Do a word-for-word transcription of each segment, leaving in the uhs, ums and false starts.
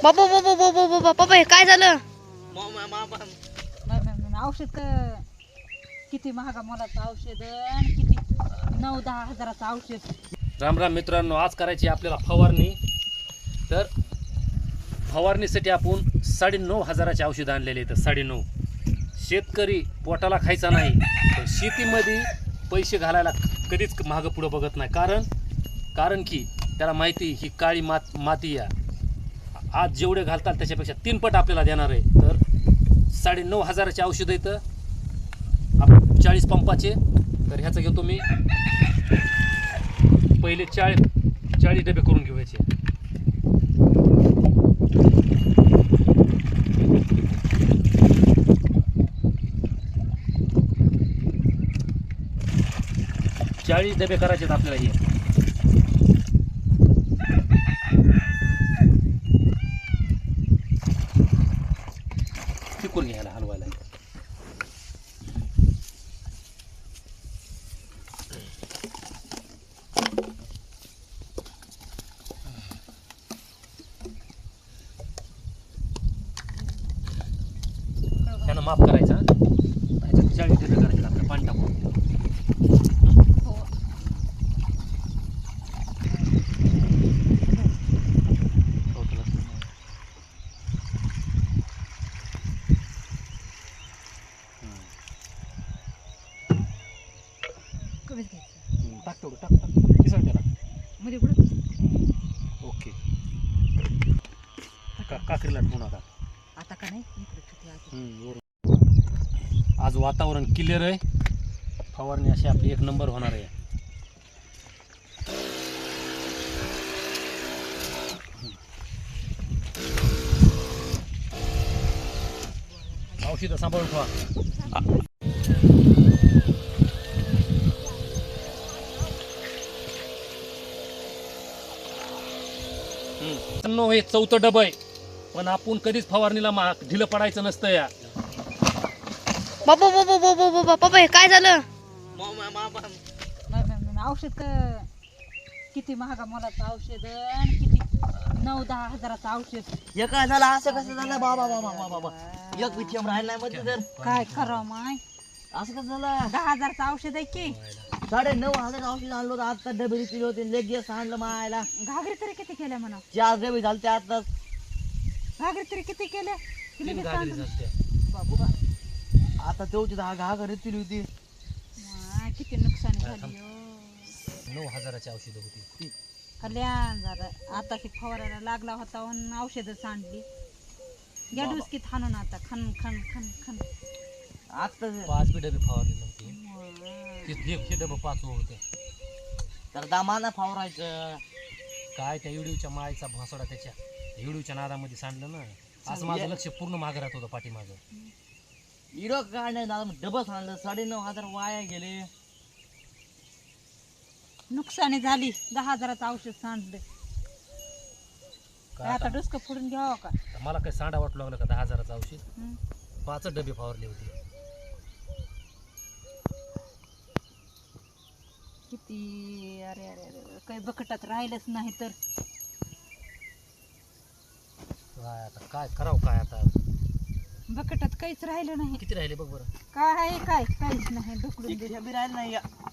बाबा बाबा बाबा बाबा बाबा हे काय झालं? औषध किती महागा मोलाचं औषध आणि किती नऊ दहा हजाराचं औषध. राम राम मित्रांनो, आज करायची आपल्याला फवारणी. तर फवारणीसाठी आपण साडे नऊ हजाराचे औषध आणलेले आहेत. साडे नऊ. शेतकरी पोटाला खायचा नाही, पण शेतीमध्ये पैसे घालायला कधीच मागं पुढं बघत नाही. कारण कारण की त्याला माहिती ही काळी मात माती या आज जेवढे घालतात त्याच्यापेक्षा तीन पट आपल्याला देणार आहे. तर साडे नऊ हजाराचे औषध आहेत आप चाळीस पंपाचे. तर ह्याचं घेतो मी पहिले चाळीस चाळीस डबे करून घेऊयाचे. चाळीस डबे करायचे आहेत आपल्याला. हे चिकून घ्यायला हलवायला. त्यानं माफ करायचा. ह्याच्यात चाळीस डबे करायचे आपल्याला पाणी टाकून. कमीच घ्यायचं. टाक तेवढं टाक टाक किसन त्याला मध्ये पुढे ओके. का काकरीला ठेवू नका आता का नाही इकडे किती आहे. हम्म, बरोबर. आज वातावरण क्लिअर आहे. फवारणी अशी आपली एक नंबर होणार आहे. औषधं सांभाळून ठेवा. हम्म, हे चौथं डबं आहे. पण आपण कधीच फवारणीला मा ढिलं पडायचं नसतं. या बाबा बाबा बाबा बाबा बाबा हे काय झालं? औषध किती महागा मोलाचं औषध आणि किती नऊ दहा हजाराचं औषध. हे काय झालं असं कसं झालं बाबा बाबा बाबा बाबा एक विषम राहिला नाही मध्ये. तर काय करावं माय, असं कसं झालं. दहा हजाराचं औषध आहे की साडे नऊ हजार औषध आणलं होतं. आता डबे पिले होते. लेगेस आणलं मायला. घागरी तरी किती केल्या म्हणा. चार डबे झाले ते आताच. घागरी तरी किती केल्या की तीन लगेच घागरी सांडून. झालत्या. बाबा आता तेवढी दहा घा घरीच पिली होती. माय, किती नुकसान झाली हो. नऊ हजाराची औषधं होती. कल्याण झालं. आता की फवारायला लागला होता आणि औषधं सांडली. या डुसकीत हाणून आता खन खन खन खन. आता पाच बी डबे फवारले नव्हते. माय. ते एकशे डबं पाच होते. तर दामाना फावरायचं. काय त्या इडूच्या माळीचा भासडा त्याच्या इडूच्या नादामध्ये सांडलं ना. असं माझं लक्ष पूर्ण मागं राहत होतं पाठीमागं. इडो काय नाही दादा, डबस आणलं. साडे नऊ हजार वाया गेले. नुकसानी झाली. दहा हजाराचं औषध सांडलं. काय आता आता डुसकं फोडून घ्यावं का. मला काही सांडा वाटू लागलं का दहा हजाराचं औषध. हं. पाच डबे फवारले होते. किती अरे अरे अरे काही बकटात राहिलंच नाही तर. काय आता काय करावं. काय आता बकटात काहीच राहिलं नाही. किती राहिले बघ बरं. काय आहे काय काहीच नाही. ढुकलून एक दिलं. डबे राहिले नाही.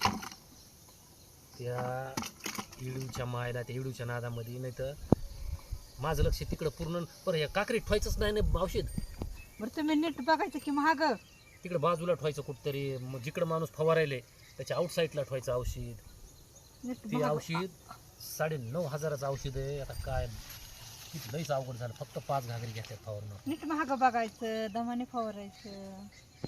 त्या इडूच्या मायला त्या इडूच्या नादामध्ये नाही तर माझं लक्ष तिकडं पूर्ण. बरं ह्या काकरीत ठेवायचंच नाही ना औषध. बरं तुम्ही नीट बघायचं की महाग. तिकडं बाजूला ठेवायचं कुठतरी. मग जिकडं माणूस फवारायले त्याच्या आउटसाईडला ठेवायचं औषध. नीट ते बघा. औषध साडे नऊ हजाराचं औषध आहे. आता काय किती लईच अवघड झालं. फक्त पाच घागरी घेतल्यात फवारणं. नीट महाग बघायचं. दमाने फवारायचं.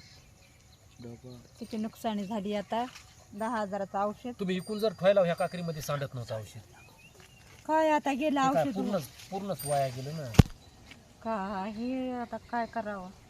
किती नुकसानी झाली आता. दहा हजाराचं औषध. तुम्ही इकून जर ठेवायला ह्या काकरीमध्ये सांडत नव्हतं औषध. काय आता गेलं ते काय औषध. पूर्णच पूर्णच वाया गेलं ना. काय हे आता काय करावं.